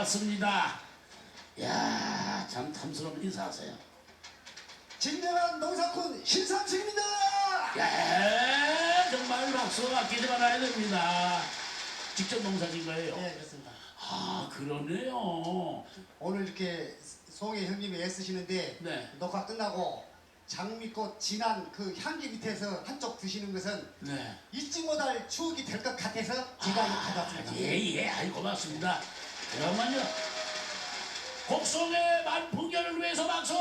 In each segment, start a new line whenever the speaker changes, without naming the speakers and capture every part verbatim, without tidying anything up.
반갑습니다. 야, 참 탐스러운 인사하세요.
진정한 농사꾼 신삼식입니다.
예, 정말 박수 아끼지 말아야 됩니다. 직접 농사진 거예요?
네, 그렇습니다.
아, 그러네요.
오늘 이렇게 송혜 형님이 애쓰시는데
네.
녹화 끝나고 장미꽃 진한 그 향기 밑에서 한쪽 드시는 것은
네.
잊지 못할 추억이 될 것 같아서 제가 이거 가져왔습니다.
예, 예, 아이 고맙습니다. 그러면요, 곡성의 만풍결을 위해서 박수!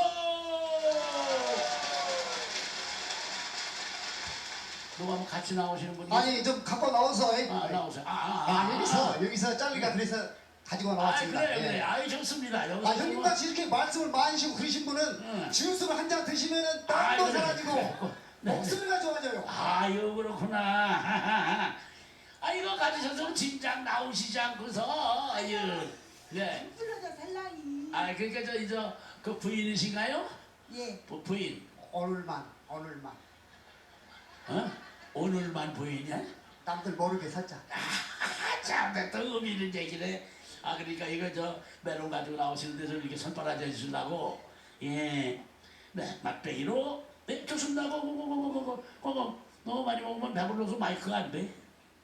누가 한번 같이 나오시는 분이?
아니 좀 갖고 나와서
아, 나오세요. 아, 아,
아,
아,
여기서
아.
여기서 잘리가 그래서 가지고
아,
나왔습니다.
그래,
예.
그래. 아이, 좋습니다. 여기서
아 형님같이 이렇게 말씀을 많으시고 그러신 분은
응.
주스를 한 잔 드시면은
아,
땀도
그래.
사라지고
네.
목소리가 좋아져요.
아유, 그렇구나. 아, 이거 가지셔서 진작 나오시지 않고서, 아유. 네.
불러줘 살라이.
아, 그러니까 저, 이제 그 부인이신가요?
예.
부, 부인.
오늘만 오늘만
어? 오늘만 부인이야?
남들 모르게 살짝.
아, 참, 또 의미 있는 얘기네. 아, 그러니까 이거 저 메론 가지고 나오시는데 좀 이렇게 손바라지 해주시려고. 예. 네, 맛배기로. 네, 좋습니다. 고고고고고고고. 고고. 너무 많이 먹으면 배불러서 마이크가 안 돼.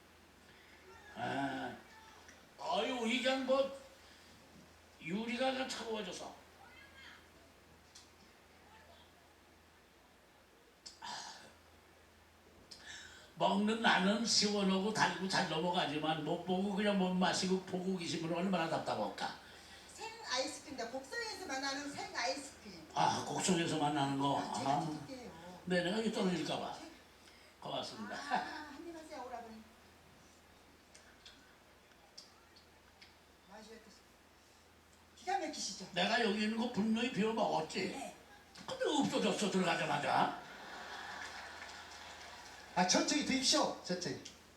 아, 아유, 이게 뭐, 유리가 그냥 차가워져서. 먹는 나는 시원하고 달고 잘 넘어가지만 못 보고 그냥 못 마시고 보고 계시면 얼마나 답답할까.
생 아이스크림이다. 곡성에서 만나는 생 아이스크림.
아, 곡성에서 만나는 거.
아, 제가
아,
드릴게요.
네, 내가 여기 떨어질까봐. 고맙습니다.
아, 한입 하세요, 오라버니. 맛이 어떠세요? 기가 막히시죠?
내가 여기 있는 거 분명히 비워 먹었지.
네.
근데 없어졌어, 들어가자마자.
아 천천히 드십시오. 천천히.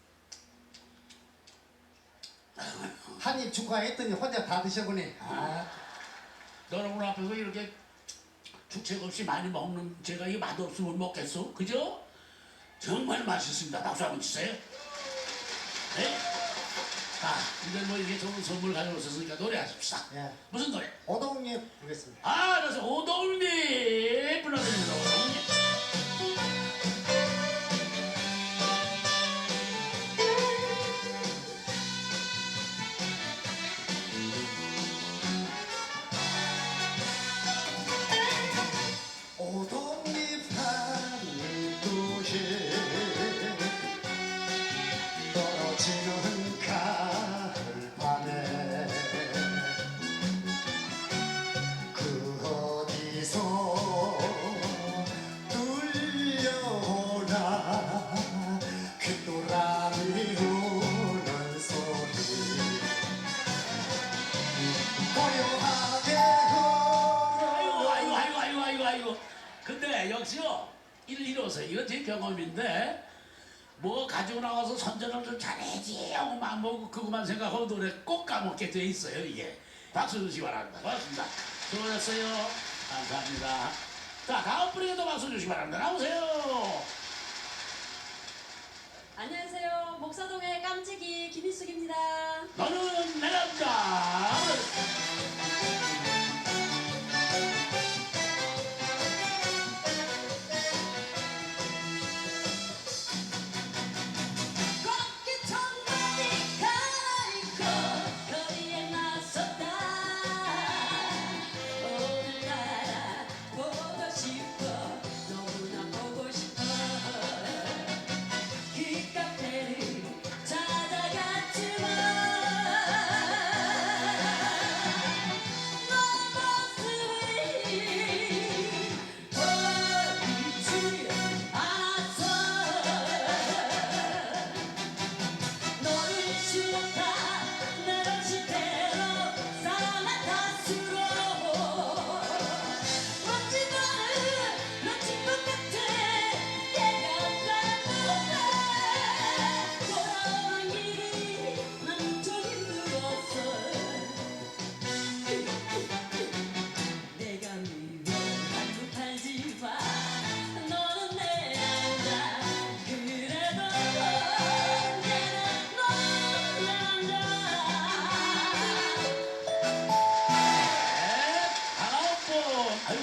한입 추가했더니 혼자 다 드셔보네. 아,
여러분 앞에서 이렇게 주책 없이 많이 먹는 제가 이 맛없으면 먹겠어? 그죠? 정말 맛있습니다. 박수 한번 주세요. 네? 자, 이제 뭐 이게 좋은 선물 가져오셨으니까 노래하십시다.
예.
무슨 노래?
오동에 보겠습니다.
아, 그래서 오동님 불러드립니다. 오동님.
오동잎 한입 도시 떨어지는 가을밤에 그 어디서 들려오나 귓도람이 우는 소리 고요하게
아이고, 아이고, 아이고, 아이고, 아이고, 아이고. 근데 역시요, 일, 이로서 이건 제 경험인데, 뭐 가지고 나와서 선전을 좀 잘해야지 하고 막 먹고 그것만 생각하고 노래 꼭 까먹게 돼 있어요, 이게. 박수 주시기 바랍니다. 고맙습니다. 수고하셨어요. 감사합니다. 자, 다음 분에게도 박수 주시기 바랍니다. 나오세요.
안녕하세요. 목사동의 깜찍이 김희숙입니다.
너는 내 남자.
꽃깃 청바지 갈아입고 거리에 나섰다. 오늘따라 보고 싶어. 너무나 보고 싶어. 그 카페를 찾아갔지만
아유